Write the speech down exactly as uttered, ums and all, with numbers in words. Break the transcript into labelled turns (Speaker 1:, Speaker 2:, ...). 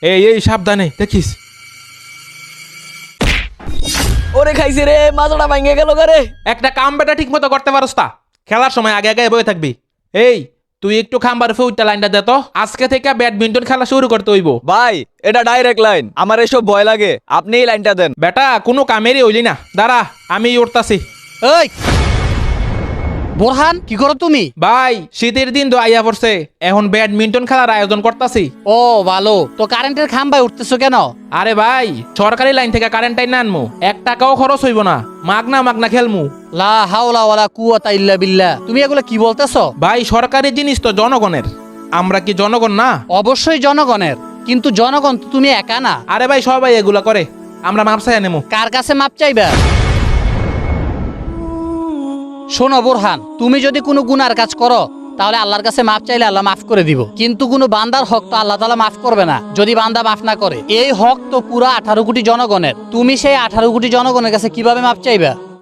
Speaker 1: এই এই সাবধানে দেখিস।
Speaker 2: ওরে খাইছে রে, মাথাটা ভাঙে গেল রে।
Speaker 1: একটা কাম বেটা ঠিক মতো করতে পারস তা? খেলার সময় আগে আগে বয়ে থাকবি। এই তুই একটু খাম্বার ফুটটা লাইনটা দে তো। আজকে থেকে ব্যাডমিন্টন খেলা শুরু করতে হইব।
Speaker 2: ভাই এটা ডাইরেক্ট লাইন, আমার এসব ভয় লাগে, আপনি এই লাইনটা দেন।
Speaker 1: বেটা কোনো কামেরই হইলি না, দাঁড়া আমি উঠতাছি।
Speaker 3: এই বোরহান, কি করো তুমি?
Speaker 1: ভাই শীতের দিন তো আইয়া পড়ছে, এখন ব্যাডমিন্টন খেলার আয়োজন করতাছি।
Speaker 3: ও ভালো, তো কারেন্টের খাম্বায় উঠতেছো কেন?
Speaker 1: আরে ভাই সরকারি লাইন থেকে কারেন্ট টাইন না আনমু, এক টাকাও খরচ হইব না, মাগনা মাগনা খেলমু।
Speaker 3: লা হাওলা ওয়ালা কুওয়াতা ইল্লা বিল্লাহ, তুমি এগুলো কি বলতেছো?
Speaker 1: ভাই সরকারি জিনিস তো জনগণের, আমরা কি জনগণ না?
Speaker 3: অবশ্যই জনগণের, কিন্তু জনগণ তো তুমি একা না।
Speaker 1: আরে ভাই সবাই এগুলা করে, আমরা মাপসাই নেমু।
Speaker 3: কার কাছে মাপ চাইবা? শোনো বোরহান, তুমি যদি কোনো গুনার কাজ করো তাহলে আল্লাহর কাছে মাপ চাইলে আল্লাহ মাফ করে দিব, কিন্তু কোনো বান্দার হক তো আল্লাহ তাআলা মাফ করবে না যদি বান্দা মাফ না করে। এই হক তো পুরো আঠারো কোটি জনগণের, তুমি সেই আঠারো কোটি জনগণের কাছে কিভাবে মাপ চাইবা?